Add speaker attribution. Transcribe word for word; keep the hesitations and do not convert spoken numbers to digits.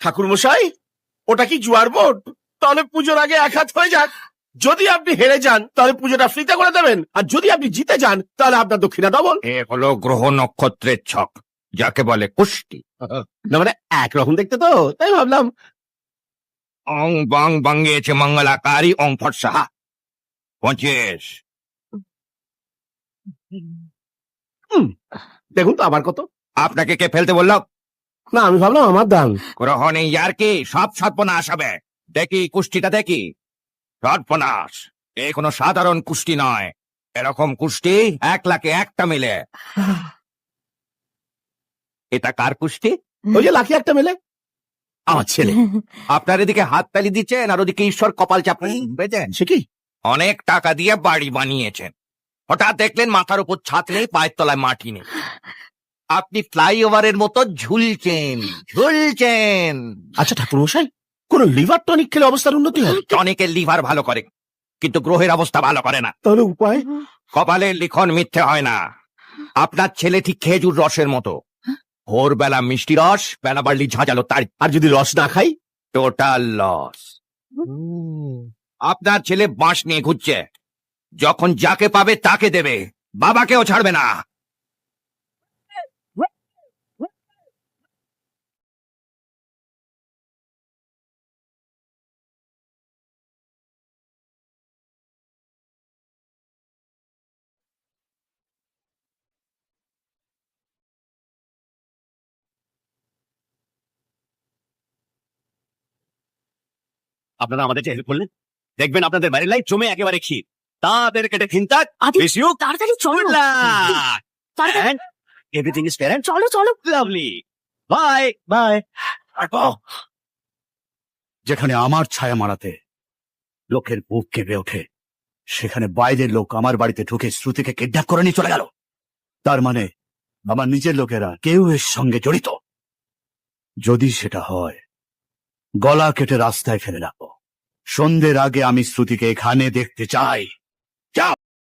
Speaker 1: ঠাকুর মশাই, ওটা কি জুয়ার বোর্ড? তাহলে পুজোর আগে এক হাত হয়ে যাক। যদি আপনি হেরে যান তাহলে পুজোটা ফ্রিতে করে দেবেন, আর যদি আপনি জিতে যান তাহলে আপনার দক্ষিণা ডবল।
Speaker 2: এ হলো গ্রহ নক্ষত্রের ছক, যাকে বলে কুষ্টি।
Speaker 1: না মানে একরকম দেখতে তো, তাই ভাবলাম।
Speaker 2: অং বং বঙ্গেছে মঙ্গলাকারী অং ফটসাহা। পঁচিশ।
Speaker 1: হুম, দেখুন তো আবার কত।
Speaker 2: আপনাকে কে ফেলতে বলল?
Speaker 1: না, আমি ভাবলাম আমার দান।
Speaker 2: গ্রহ নেই আর কি, সব সর্বনাশ হবে। দেখি কুষ্টিটা দেখি। সর্বনাশ, এ কোনো সাধারণ কুষ্টি নয়। এরকম কুষ্টি এক লাখে একটা মিলে। এটা কার কুষ্টি?
Speaker 1: ওই যে লাখি একটা মেলে, আমার ছেলে।
Speaker 2: আপনার এদিকে হাততালি দিচ্ছেন আর ওদিকে ঈশ্বর কপাল চাপেন।
Speaker 1: সে কি?
Speaker 2: অনেক টাকা দিয়ে বাড়ি বানিয়েছেন, হঠাৎ দেখলেন মাথার উপর ছাদ নেই, পায়ের তলায় মাটি নেই। আপনি ফ্লাইওভারের মতো ঝুলছেন ঝুলছেন।
Speaker 1: আচ্ছা ঠাকুর মশাই, কোন লিভার টনিক খেলে অবস্থার উন্নতি হয়?
Speaker 2: টনিকের লিভার ভালো করে, কিন্তু গ্রহের অবস্থা ভালো করে না।
Speaker 1: তাহলে উপায়?
Speaker 2: কপালের লিখন মিথ্যে হয় না। আপনার ছেলে ঠিক খেজুর রসের মতো, ভোরবেলা মিষ্টি রস, বেলা বাড়লি ঝাঁঝালো তার।
Speaker 1: আর যদি রস না খাই?
Speaker 2: Total loss. আপনার ছেলে বাঁশ নিয়ে ঘুরছে, যখন যাকে পাবে তাকে দেবে, বাবাকেও ছাড়বে না।
Speaker 3: আপনারা আমাদের হেল্প করলেন, দেখবেন আপনাদের বাড়ির লাইট জমে একেবারে ক্ষীর। তাদের কেটে চিন্তা
Speaker 4: তাড়াতাড়ি চলো, তাড়াতাড়ি
Speaker 3: এভরিথিং ইজ ফেয়ার
Speaker 4: চলো চলো।
Speaker 3: লাভলি। Bye bye. যেখানে আমার ছায়া মারাতে লোকের বুক কেঁপে ওঠে, সেখানে বাইরের লোক আমার বাড়িতে ঢুকে শ্রুতিকে কিডন্যাপ করে নিয়ে চলে গেল। তার মানে আমার নিজের লোকেরা কেউ এর সঙ্গে জড়িত। যদি সেটা হয়, গলা কেটে রাস্তায় ফেলে রাখো। সন্ধ্যের আগে আমি শ্রুতিকে এখানে দেখতে চাই। যাও।